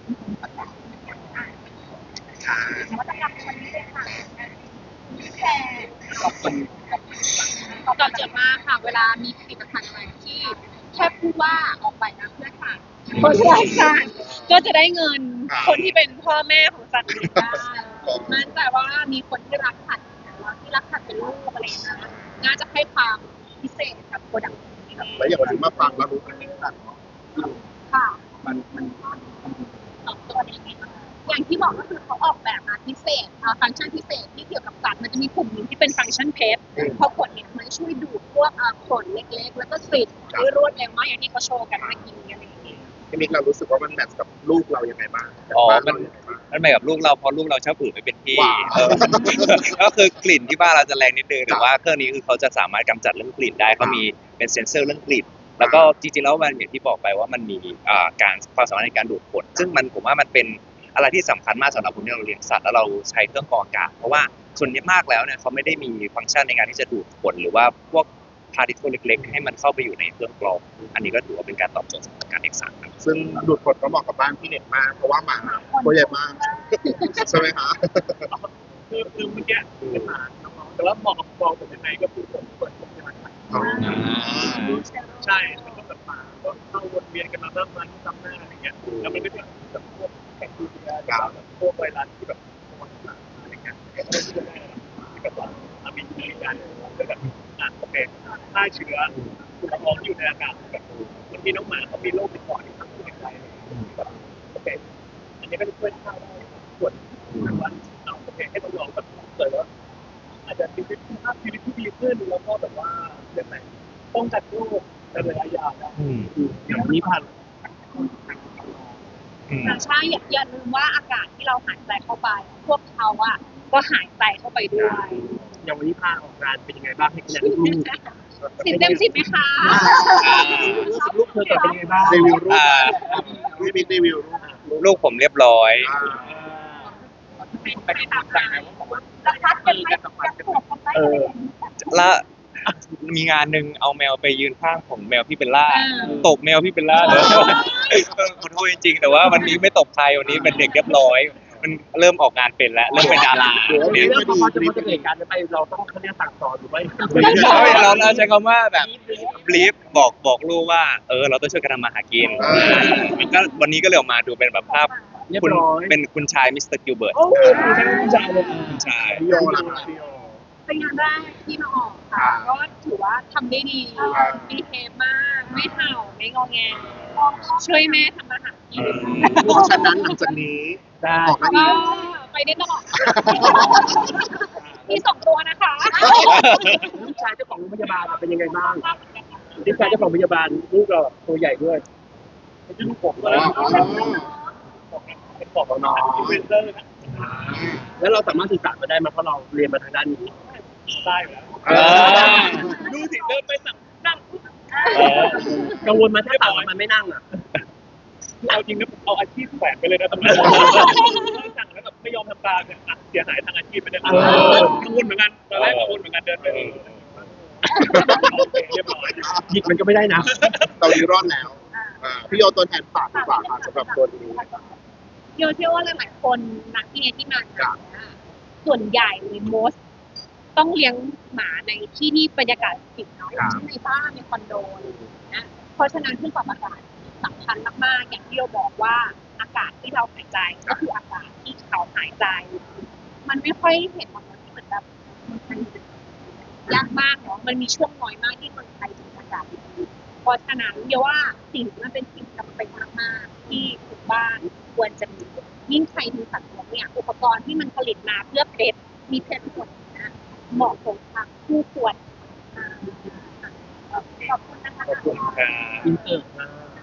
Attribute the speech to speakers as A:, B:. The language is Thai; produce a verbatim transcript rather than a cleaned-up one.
A: ค่ะ
B: นวัตกรรมในวันนี้เลยค่ะแชร์
A: ขอบคุณ
B: ตอบโจทย์มากค่ะเวลามีผลิตภัณฑ์อะไรที่แค่พูดว่าออกไปนะเพื่อค่ะ คนรักสัตว์ก็จะได้เงินคนที่เป็นพ่อแม่ของสัตว์เลี้ยงได้มันแต่ว่ามีคนที่รักสัตว์แล้วที่รักสัตว์เป็นลูกอะไรอย่างเงี้ยน่าจะให้ความพิเศษกับโปรดักต์นี้
A: แล้วอย่างวันนี้มาฟังแล้วรู้กันที่สัตว์เนาะ
B: ค่ะ
A: มันมัน
B: ตอบโจทย์ยังไงบ้างอย่างที่บอกก็คือเขาออกแบบมาพิเศษฟังก์ชันพิเศษที่เกี่ยวกับสัตว์มันจะมีกลุ่มหนึ่งที่เป็นฟังก์ชันเพชรพอกดเนี่ยมันช่วยดูดพวกขนเล็กๆแล้วก็กลิ่นได้รวดเร็วมากอย่างที่เขาโชว์กันเมื่อกี้อะไรอย่างเงี้ย
A: พี่มิกเรารู้สึกว่ามันแมทกับลูกเรายังไงบ้าง
C: อ๋อ
A: บ้าน
C: มัน
A: เรายังไงบ้าง
C: มันไปกับลูกเราเพราะลูกเราชอบอืดไม่เป็นที่
A: ว้าว
C: เออ ก็คือกลิ่นที่บ้านเราจะแรงนิดนึงแต่ว่าเครื่องนี้คือเขาจะสามารถกำจัดเรื่องกลิ่นได้เขามีเป็นเซ็นเซอร์เรื่องกลิ่นแล้วก็จริงๆแล้วมันอย่างที่บอกไปว่ามันมีอ่าการความสามารถในการดูดขนซึ่งมันผมว่ามันเป็นอะไรที่สำคัญมากสำหรับคนที่เราเลี้ยงสัตว์แล้วเราใช้เครื่องกรองอากาศเพราะว่าส่วนนี้มากแล้วเนี่ยเขาไม่ได้มีฟังก์ชันในการที่จะดูดขนหรือว่าพวกพาร์ติเคิลเล็กๆให้มันเข้าไปอยู่ในเครื่องกรองอันนี้ก็ถือว่าเป็นการตอบโจทย์สำหรับการเลี้ยงสัตว์ครับ
A: ซึ่งดูดขนก็เหมาะกับบ้านพี่เน็ตมากเพราะว่าหมาตัวใหญ่มากใช่ไหมคะ
D: คือคือเมื่อกี้เป็นหมาน้องๆแต่ว่าเหมาะกับฟองเป็นยังไงก็คือผมเปิดผมใช่ไหมใช่มันก็แบบหมาก็เข้าวนเวียนกันมาบ้างมันซ้ำหน้าอะไรเงี้ยแล้วมันก็จะแบบพวกแบคทีเรียแบบพวกไวรัสที่แบบมันมาอะไรเงี้ยก็ไม่ได้ที่แบบว่ามีในการก็แบบอ่านโอเคฆ่าเชื้อคุณละอองอยู่ในอากาศแบบบางทีน้องหมาเขามีโรคติดต่อที่ทำให้ใจแบบโอเคอันนี้ก็จะช่วยฆ่าได้ส่วนแบบว่าเอาโอเคให้น้องๆแบบเกิดว่าอาจจะชีวิตภาพชีวิตที่ดีขึ้นแล้วก็แบบว่าเรื่องไหนป้องกันโรคในระยะยาวได้อย่างนี้ผ่าน
B: ใช่อย่าอย่าลืมว่าอากาศที่เราหายใจเข้าไปพวกเขาอะก็หายใจเข้าไปด้วย
D: อย่างวันนี้พาออกงานเป็นยังไงบ้างให้คะแนนลูก
B: สิบเต็มสิบไหมคะ
D: ลูกเธอเป็นยังไงบ้าง
A: รีวิวรูปพี่มิกรีวิวรูป
C: ลูกผมเรียบร้อย
A: อ่า
B: ไปตามงานจะพัดกันไหมจะปวดกันไหม
D: เออ
C: และมีงานหนึ่งเอาแมวไปยืนข้างของแมวพี่เบลล่าตบแมวพี่เบลล่าเลยขอโทษจริงๆแต่ว่าวันนี้ไม่ตบใครวันนี้เป็นเด็กเรียบร้อยมันเริ่มออกงานเป็นแล้วเริ่มเป็นดารา
D: เรื่
C: เนี่ย
D: องพอจะพอจะเหตุการณ์ไปเราต้องเขาเรียกสั่งสอนหรือไม่
C: เราเราใช้คำว่าแบบบลีฟบอกบอกลูกว่าเออเราต้องช่วยกันทำมาหากินมันก็วันนี้ก็เลยออกมาดูเป็นแบบภาพคุณเป็นคุณชายมิสเตอร์กิลเบิร์ต
D: โอ้ยใช่ผู้ชายเลย
C: คุณชาย
A: พี่โยล่ะคะพี่โย
B: เป็นงานแรกที่มาออกค่ะก็ถือว่าทำได้ดีมีเทปมากไม่เห่าไม่งอแงช่วยแม่ทำอาหารกิน
A: เพราะฉะนั้นหลังจากนี้
D: ได้
A: ออกมา
B: ก็
A: อีก
B: ไปได้ตลอดมีสองตัวนะคะ
D: ลูกชายเจ้าของโรงพยาบาลเป็นยังไงบ้างลูกชายเจ้าของโรงพยาบาลลูกเราตัวใหญ่ด้วยไม่ใช่ลูกผมเลยเป็นบอกน้องเป็นเซอร์นะแล้วเราสามารถสื่อสารมาได้ไหมเพราะเราเรียนมาทางด้านนี้ได้อยู่แล้วดูสิเดินไปสั่งนั่งกังวลมาถ้าสั่งมันไม่นั่งอ่ะเอาจริงนะเอาอาชีพแฝงไปเลยนะตำรวจสั่งแล้วแบบไม่ยอมทำตามเนี่ยเสียหายทางอาชีพไปเลยกังวลเหมือนกันตอนแรกกังวลเหมือนกันเดินไปเรียบร้อยหยิกมันก็ไม่ได้นะ
A: เราดีรอดแล้วอ่าพี่โยตัวแทนฝากดีกว่าค่ะสำหรับตัวนี้
B: โยเชื่อว่าหลายๆคนนักที่ที่มางานเนี่ยส่วนใหญ่เลย most ต้องเลี้ยงหมาในที่ที่บรรยากาศปิดเนาะอย่างเช่นในบ้านในคอนโดอะไรอย่างเงี้ยเพราะฉะนั้นเครื่องปรับอากาศสำคัญมากๆอย่างที่เราบอกว่าอากาศที่เราหายใจก็คืออากาศที่เขาหายใจ มันไม่ค่อยเห็นมันเหมือนแบบมันยากมากเนาะมันมีช่วงน้อยมากที่คนไทยถึงอากาศดีเพราะฉะนั้นเดี๋ยวว่าสิ่งที่มันเป็นสิ่งจำเป็นมากๆที่ทุกบ้านควรจะมียิ่งใครมีสัตว์เลี้ยงเนี่ยอุปกรณ์ที่มันผลิตมาเพื่อเพชรมีเพชรหมดนะเหมาะสมกับผู้ควรขอบคุณนะคะ
C: ขอบคุณค่ะ
D: อินเตอร์